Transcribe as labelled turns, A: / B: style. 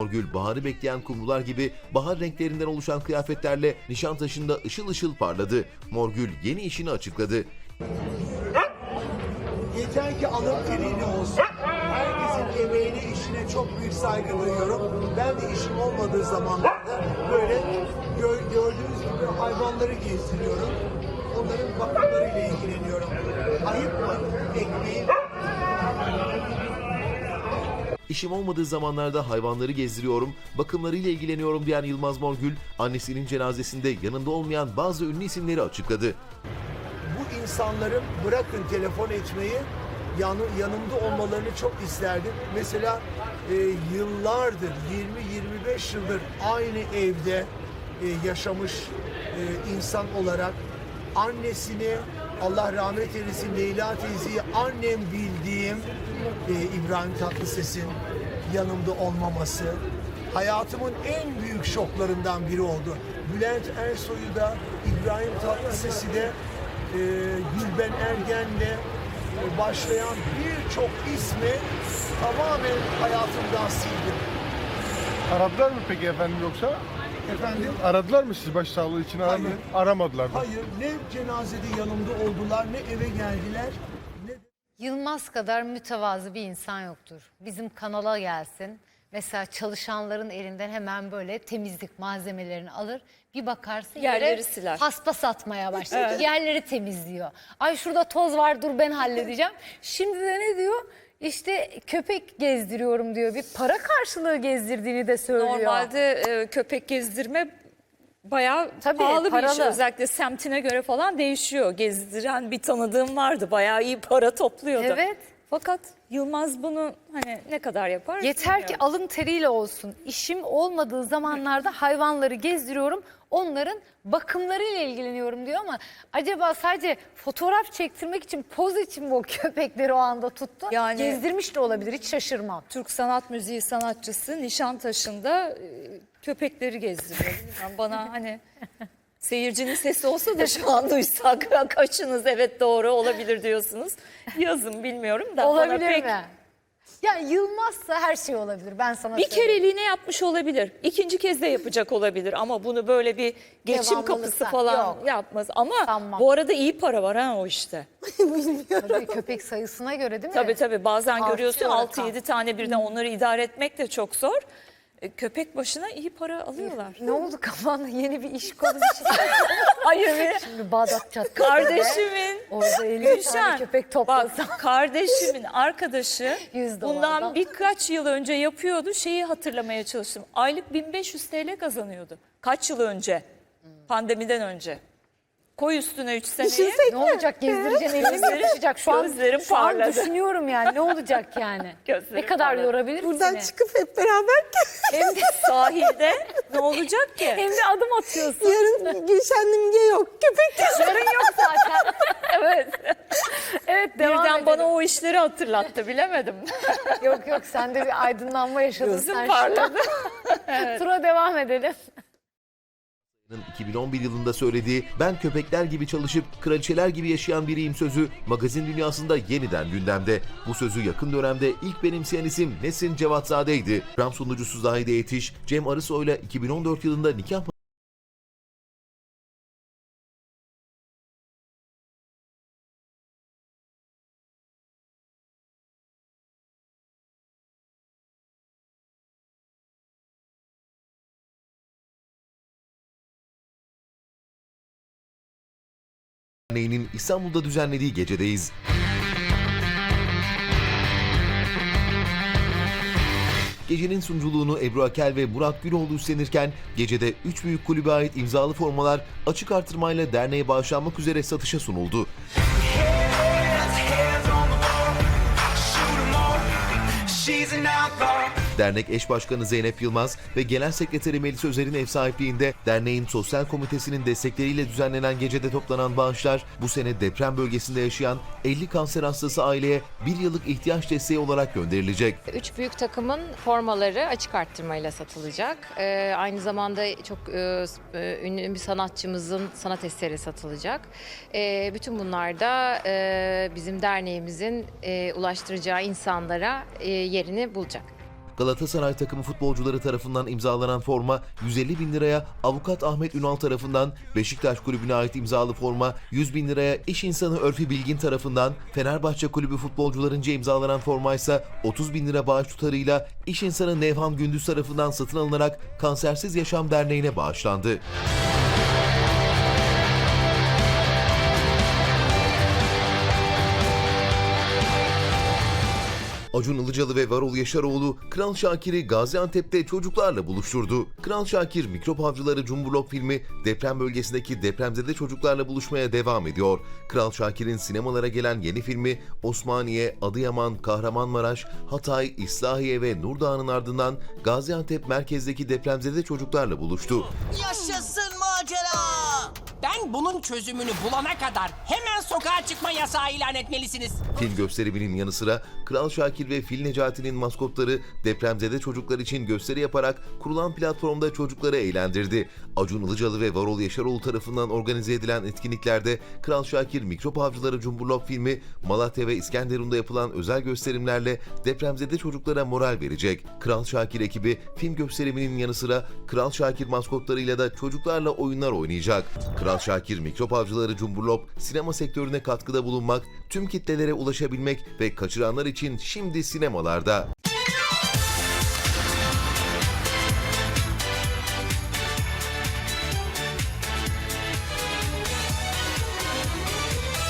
A: Morgül, baharı bekleyen kumrular gibi bahar renklerinden oluşan kıyafetlerle Nişantaşı'nda ışıl ışıl parladı. Morgül yeni işini açıkladı.
B: Yeter ki alın teriyle olsun. Herkesin emeğine, işine çok büyük saygı duyuyorum. Ben de işim olmadığı zamanlarda böyle gördüğünüz gibi hayvanları gezdiriyorum. Onların bakımlarıyla ilgileniyorum. Ayıp mı? Ekmeği...
A: İşim olmadığı zamanlarda hayvanları gezdiriyorum, bakımlarıyla ilgileniyorum diyen Yılmaz Morgül, annesinin cenazesinde yanında olmayan bazı ünlü isimleri açıkladı.
B: Bu insanların bırakın telefon etmeyi, yanımda olmalarını çok isterdim. Mesela yıllardır, 20-25 yıldır aynı evde yaşamış insan olarak annesini, Allah rahmet eylesin, Leyla teyzeyi annem bildiğim İbrahim Tatlıses'in yanımda olmaması hayatımın en büyük şoklarından biri oldu. Bülent Ersoy'u da, İbrahim Tatlıses'i de, Gülben Ergen'le başlayan birçok ismi tamamen hayatımdan sildim.
C: Aradılar mı peki efendim yoksa?
B: Efendim?
C: Aradılar mı sizi başsağlığı için?
B: Hayır.
C: Aramadılar da.
B: Hayır, ne cenazede yanımda oldular, ne eve geldiler, ne...
D: Yılmaz kadar mütevazı bir insan yoktur. Bizim kanala gelsin. Mesela çalışanların elinden hemen böyle temizlik malzemelerini alır. Bir bakarsın
E: Yerleri siler.
D: paspas atmaya başlar. Yerleri temizliyor. Ay şurada toz var, dur ben halledeceğim. Şimdi de ne diyor? İşte köpek gezdiriyorum diyor. Bir para karşılığı gezdirdiğini de söylüyor.
E: Normalde köpek gezdirme bayağı
D: Tabii,
E: pahalı bir iş.
D: paralı.
E: Özellikle semtine göre falan değişiyor. Gezdiren bir tanıdığım vardı. Bayağı iyi para topluyordu.
D: Evet.
E: Fakat Yılmaz bunu hani ne kadar yapar?
D: Yeter ki
E: bilmiyorum.
D: alın teriyle olsun. İşim olmadığı zamanlarda hayvanları gezdiriyorum. Onların bakımlarıyla ilgileniyorum diyor ama acaba sadece fotoğraf çektirmek için, poz için mi o köpekleri o anda tuttu?
E: Yani-
D: Gezdirmiş de olabilir, hiç şaşırmam.
E: Türk sanat müziği sanatçısı Nişantaşı'nda köpekleri gezdiriyor. Bilmiyorum, bana hani seyircinin sesi olsa da şu an duysak kaçınız evet doğru olabilir diyorsunuz. Yazın bilmiyorum da. bana
D: Olabilir
E: pek...
D: mi? Ya Yılmazsa her şey olabilir, ben sana
E: Bir
D: söyleyeyim.
E: kereliğine yapmış olabilir. İkinci kez de yapacak olabilir ama bunu böyle bir geçim
D: Devamlılıktan,
E: kapısı falan
D: yok.
E: yapmaz. Ama
D: Sanmam.
E: bu arada iyi para var ha o işte.
D: Tabii köpek sayısına göre değil mi?
E: Tabii bazen
D: Artıyor
E: görüyorsun
D: rakam.
E: 6-7 tane birden onları idare etmek de çok zor. Köpek başına iyi para alıyorlar.
D: Ne oldu kafanda, yeni bir iş kolu bir şey?
E: Hayır
D: Şimdi Bağdat Caddesi'nde
E: kardeşimin
D: orada 50 tane
E: Gülşen,
D: köpek
E: bak
D: toplasam.
E: kardeşimin arkadaşı
D: $100'dan.
E: bundan birkaç yıl önce yapıyordu. Şeyi hatırlamaya çalıştım. Aylık 1500 TL kazanıyordu. Kaç yıl önce? Pandemiden önce. Koy üstüne 3 seneyi.
D: Ne olacak, gezdireceksin, elini mi taşıyacak? Şu an,
E: Gözlerim
D: şu an
E: parladı.
D: düşünüyorum yani, ne olacak yani?
E: Gözlerim
D: Ne kadar
E: parladı.
D: yorabilir
F: Buradan
D: seni?
F: çıkıp hep beraber
E: Hem de sahilde ne olacak ki?
D: Hem de adım atıyorsun.
F: yarın Gülşen'le yok. Köpek
D: Yarın yok zaten.
E: Evet.
D: Evet, devam
E: Birden
D: edelim.
E: bana o işleri hatırlattı bilemedim.
D: Yok sen de bir aydınlanma yaşadın.
E: Gözüm
D: sen
E: parladı.
D: Tura devam edelim.
A: 2011 yılında söylediği "ben köpekler gibi çalışıp kraliçeler gibi yaşayan biriyim" sözü magazin dünyasında yeniden gündemde. Bu sözü yakın dönemde ilk benimseyen isim Nesrin Cevatzade'ydi. Program sunucusu Zahide Yetiş, Cem Arısoy'la 2014 yılında nikah Derneği'nin İstanbul'da düzenlediği gecedeyiz. Gecenin sunuculuğunu Ebru Akel ve Murat Güloğlu üstlenirken gecede 3 büyük kulübe ait imzalı formalar açık artırmayla derneğe bağışlanmak üzere satışa sunuldu. Dernek eş başkanı Zeynep Yılmaz ve genel sekreteri Melis Özer'in ev sahipliğinde derneğin sosyal komitesinin destekleriyle düzenlenen gecede toplanan bağışlar bu sene deprem bölgesinde yaşayan 50 kanser hastası aileye bir yıllık ihtiyaç desteği olarak gönderilecek.
G: 3 büyük takımın formaları açık arttırmayla satılacak. Aynı zamanda çok ünlü bir sanatçımızın sanat eseri satılacak. Bütün bunlar da bizim derneğimizin ulaştıracağı insanlara yerini bulacak.
A: Galatasaray takımı futbolcuları tarafından imzalanan forma 150 bin liraya, Avukat Ahmet Ünal tarafından Beşiktaş Kulübü'ne ait imzalı forma 100 bin liraya, iş insanı Örfi Bilgin tarafından Fenerbahçe Kulübü futbolcularınca imzalanan forma ise 30 bin lira bağış tutarıyla iş insanı Nevhan Gündüz tarafından satın alınarak Kansersiz Yaşam Derneği'ne bağışlandı. Acun Ilıcalı ve Varol Yaşaroğlu, Kral Şakir'i Gaziantep'te çocuklarla buluşturdu. Kral Şakir, Mikrop Avcıları Cumburlop filmi deprem bölgesindeki depremzede çocuklarla buluşmaya devam ediyor. Kral Şakir'in sinemalara gelen yeni filmi Osmaniye, Adıyaman, Kahramanmaraş, Hatay, İslahiye ve Nurdağ'ın ardından Gaziantep merkezdeki depremzede çocuklarla buluştu.
H: Yaşasın macera! Ben bunun çözümünü bulana kadar hemen sokağa çıkma yasağı ilan etmelisiniz.
A: Film gösteriminin yanı sıra Kral Şakir ve Fil Necati'nin maskotları depremzede çocuklar için gösteri yaparak kurulan platformda çocukları eğlendirdi. Acun Ilıcalı ve Varol Yaşaroğlu tarafından organize edilen etkinliklerde Kral Şakir Mikrop Avcıları Cumburlop filmi, Malatya ve İskenderun'da yapılan özel gösterimlerle depremzede çocuklara moral verecek. Kral Şakir ekibi film gösteriminin yanı sıra Kral Şakir maskotlarıyla da çocuklarla oyunlar oynayacak. Kral Şakir Mikrop Avcıları Cumburlop sinema sektörüne katkıda bulunmak, tüm kitlelere ulaşabilmek ve kaçıranlar için şimdi sinemalarda.